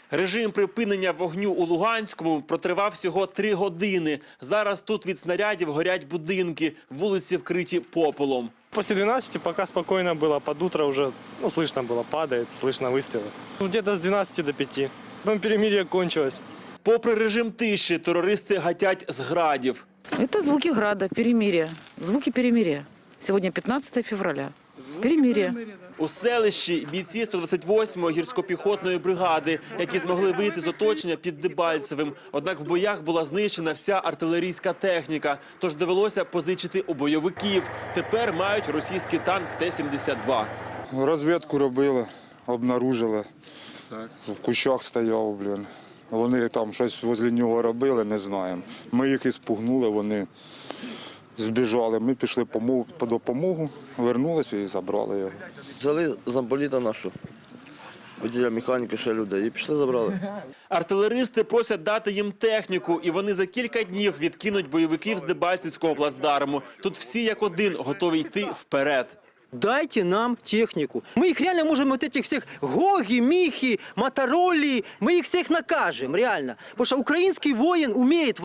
Режим припинення вогню у Луганському протривав всього 3 години. Зараз тут від снарядів горять будинки, вулиці вкриті попелом. После 12 пока спокойно было, под утро уже, слышно было, падает, слышно выстрелы. Где-то с 12 до 5. Потом перемирие кончилось. Попри режим тиші, терористи гатять з градів. Это звуки града, перемирия. Звуки перемирия. Сегодня 15 февраля. Перемирие. У селищі бійці 128-ї гірсько-піхотної бригади, які змогли вийти з оточення під Дебальцевим. Однак в боях була знищена вся артилерійська техніка, тож довелося позичити у бойовиків. Тепер мають російський танк Т-72. Розвідку робили, обнаружили. В кущах стояв, блін. Вони там щось возле нього робили, не знаємо. Ми їх і спугнули, вони збіжали. Ми пішли по допомогу, вернулися і забрали його. Взяли замполіта нашу, водія механіки, ще людей, і пішли забрали. Артилеристи просять дати їм техніку, і вони за кілька днів відкинуть бойовиків з Дебальцевського плацдарму. Тут всі як один готові йти вперед. Дайте нам технику. Мы их реально можем, вот этих всех Гоги, Михи, Мотороли, мы их всех накажем, реально. Потому что украинский воин умеет